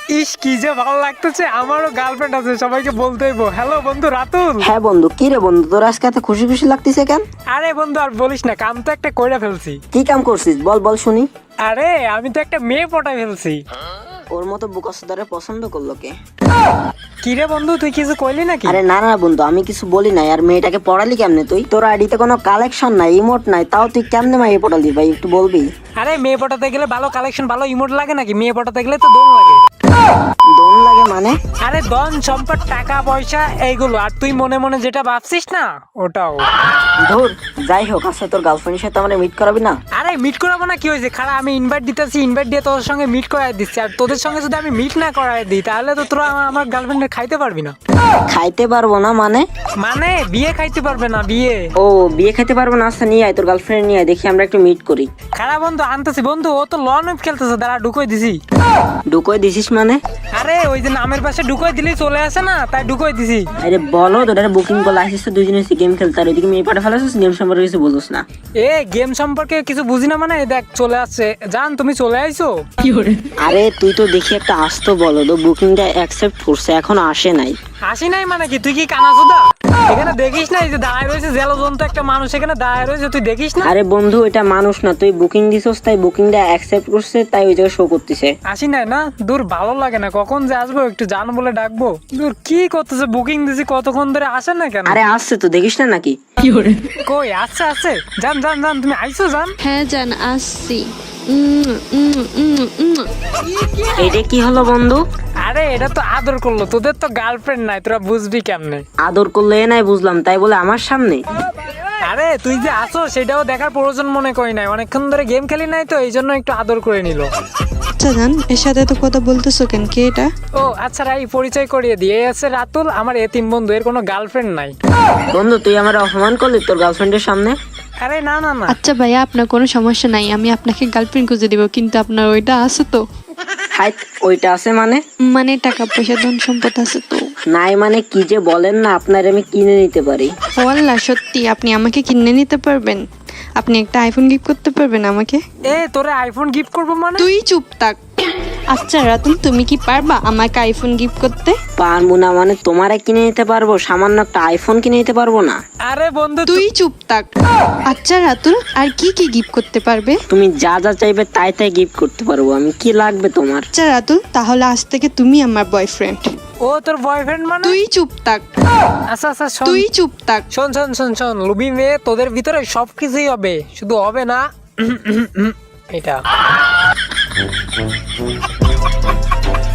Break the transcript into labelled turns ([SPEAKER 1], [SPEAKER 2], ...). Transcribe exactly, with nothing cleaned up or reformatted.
[SPEAKER 1] ইস কি যে ভালো লাগতেছে, আমারও গার্লফ্রেন্ড আছে, সবাইকে বলতেইব। হ্যালো বন্ধু রাতুল।
[SPEAKER 2] হ্যাঁ বন্ধু, কি রে বন্ধু, তোর আজকে এত খুশি খুশি লাগতেছে কেন?
[SPEAKER 1] আরে বন্ধু আর বলিস না, কাম তো একটা কইরা ফেলছি।
[SPEAKER 2] কি কাম করছিস বল বল শুনি।
[SPEAKER 1] আরে আমি তো একটা মেয়ে পটাই ফেলছি।
[SPEAKER 2] ওর মতো বুকাসুদারে পছন্দ করলো কে?
[SPEAKER 1] কি রে বন্ধু তুই কিছু কইলি নাকি?
[SPEAKER 2] আরে না না বন্ধু, আমি কিছু বলি নাই। আর মেয়েটাকে পড়ালি কেমনে তুই? তোর আইডিতে কোনো কালেকশন নাই, ইমোট নাই, তাও তুই কেমনে মাইয়ে পড়ালি ভাই, একটু বলবি?
[SPEAKER 1] আরে মেয়ে পটাতে গেলে ভালো কালেকশন ভালো ইমোট লাগে নাকি? মেয়ে পটাতে গেলে তো দোন লাগে।
[SPEAKER 2] দোন লাগে মানে?
[SPEAKER 1] আরে ধন সম্পদ টাকা পয়সা এইগুলো, আর তুই মনে মনে যেটা ভাবছিস না ওটাও।
[SPEAKER 2] ধুর, যাই হোক, আচ্ছা তোর গার্লফ্রেন্ডের সাথে আমরা মিট করাবি না?
[SPEAKER 1] আরে মিট করাবো না কি হয়েছে, খারাপ আমি ইনভাইট দিতেছি, ইনভাইট দিয়ে তোদের সঙ্গে মিট করাই দিচ্ছি। আর তোদের সঙ্গে যদি আমি মিট না করাই দিই তাহলে তো তোরা আমার- আমার গার্লফ্রেন্ডে খাইতে পারবি না।
[SPEAKER 2] খাইতে পারবো না মানে?
[SPEAKER 1] মানে বিয়ে খাইতে পারবে না, বিয়ে।
[SPEAKER 2] ও বিয়ে খাইতে পারবো না? আচ্ছা নিয়ে আয়, তোর গার্লফ্রেন্ড নিয়ে আয়, দেখি আমরা একটু মিট করি।
[SPEAKER 1] খারাপ বন্ধু আনতেছি বন্ধু, ও তো লন উইপ খেলতেছে, দাঁড়া ঢুকোই দিছি।
[SPEAKER 2] ঢুকোয় দিছিস মানে?
[SPEAKER 1] আরে ওই যে নামের পাশে ঢুকোই দিলি চলে আসে না, তাই ঢুকোই দিছি।
[SPEAKER 2] আরে বলো, তোর বুকিং করলে আসিস তো দুজনে গেম খেলতে, আর ওইদিকে মেয়ে পাঠা ফেলাছিস, গেম সম্পর্কে কিছু বলছিস না।
[SPEAKER 1] এ গেম সম্পর্কে কিছু বুঝি না মানে? এই দেখ চলে আসছে, জান তুমি চলে আইছো।
[SPEAKER 2] আরে তুই তো দেখি একটা আসতো বলো তো, বুকিংটা অ্যাকসেপ্ট করছে, এখন আসে নাই।
[SPEAKER 1] হাসি নাই মানে কি? তুই কি কানা চোদা? এখানে দেখিস না এই যে দাঁড়ায় রয়েছে জেলজন্ত একটা মানুষ, এখানে দাঁড়ায় রয়েছে, তুই দেখিস না?
[SPEAKER 2] আরে বন্ধু, এটা মানুষ না, তুই বুকিং দিছস তাই বুকিংটা অ্যাকসেপ্ট করছে, তাই ওই জায়গায় শো করতেছে।
[SPEAKER 1] হাসি নাই না? দূর ভালো লাগে না, কখন যে আসবো একটু জান বলে ডাকবো। দূর কি করতেছে, বুকিং দিছি কতক্ষণ ধরে আসে না কেন?
[SPEAKER 2] আরে আসছে তো, দেখিস না নাকি?
[SPEAKER 1] কই আসছে আসছে, জান জান জান তুমি আইছো জান?
[SPEAKER 3] হ্যাঁ জান আসছি। উম, উম, উম, উম।
[SPEAKER 2] এটা কি হলো বন্ধু?
[SPEAKER 1] আরে এটা তো আদর করলো, তোদের তো গার্লফ্রেন্ড নাই, তোরা বুঝবি কেমনে?
[SPEAKER 2] আদর করলে এ নাই বুঝলাম, তাই বলে আমার সামনে?
[SPEAKER 1] আরে তুই যে আসো সেটাও দেখার প্রয়োজন মনে করি নাই, অনেকক্ষণ ধরে গেম খেলি নাই তো এই জন্য একটু আদর করে নিল।
[SPEAKER 3] আচ্ছা জান, এর সাথে তো কথা বলতেছো কেন? কে এটা?
[SPEAKER 1] ও আচ্ছা রাই, পরিচয় করিয়ে দিয়ে আছে রাতুল, আমার এতিম বন্ধু, এর কোনো গার্লফ্রেন্ড নাই।
[SPEAKER 2] বন্ধু তুই আমার অপমান করলি তোর গার্লফ্রেন্ডের সামনে?
[SPEAKER 1] আরে না না না,
[SPEAKER 3] আচ্ছা ভাইয়া, আপনার কোনো সমস্যা নাই, আমি আপনাকে গার্লফ্রেন্ড খুঁজে দিব, কিন্তু আপনার ওইটা আছে তো?
[SPEAKER 2] হাই, ওইটা আছে মানে?
[SPEAKER 3] মানে টাকা পয়সা ধন সম্পদ আছে তো?
[SPEAKER 2] নাই মানে কি যে বলেন না, আপনার আমি কিনে নিতে পারি।
[SPEAKER 3] ও আল্লাহ, সত্যি আপনি আমাকে কিনে নিতে পারবেন? আপনি একটা আইফোন গিফট করতে পারবেন আমাকে?
[SPEAKER 1] এ তোরে আইফোন গিফট করবো মানে?
[SPEAKER 3] তুই চুপ থাক। আচ্ছা রাতুল, তুমি কি পারবা আমাকে আইফোন গিফট করতে?
[SPEAKER 2] পারবো না মানে? তোমারে কিনে নিতে পারবো, সামান্য একটা আইফোন কিনে নিতে পারবো না?
[SPEAKER 1] আরে বন্ধু
[SPEAKER 3] তুই চুপ থাক। আচ্ছা রাতুল, আর কি কি গিফট করতে পারবে?
[SPEAKER 2] তুমি যা যা চাইবে তাই তাই গিফট করতে পারবো আমি। কি লাগবে তোমার?
[SPEAKER 3] আচ্ছা রাতুল, তাহলে আজ থেকে তুমি আমার বয়ফ্রেন্ড।
[SPEAKER 1] ও তোর বয়ফ্রেন্ড মানে?
[SPEAKER 3] তুই চুপ থাক।
[SPEAKER 1] আচ্ছা আচ্ছা শোন,
[SPEAKER 3] তুই চুপ থাক।
[SPEAKER 1] শোন শোন শোন শোন লুবি মেয়ে, তোদের ভিতরে সবকিছুই হবে, শুধু হবে না এটা।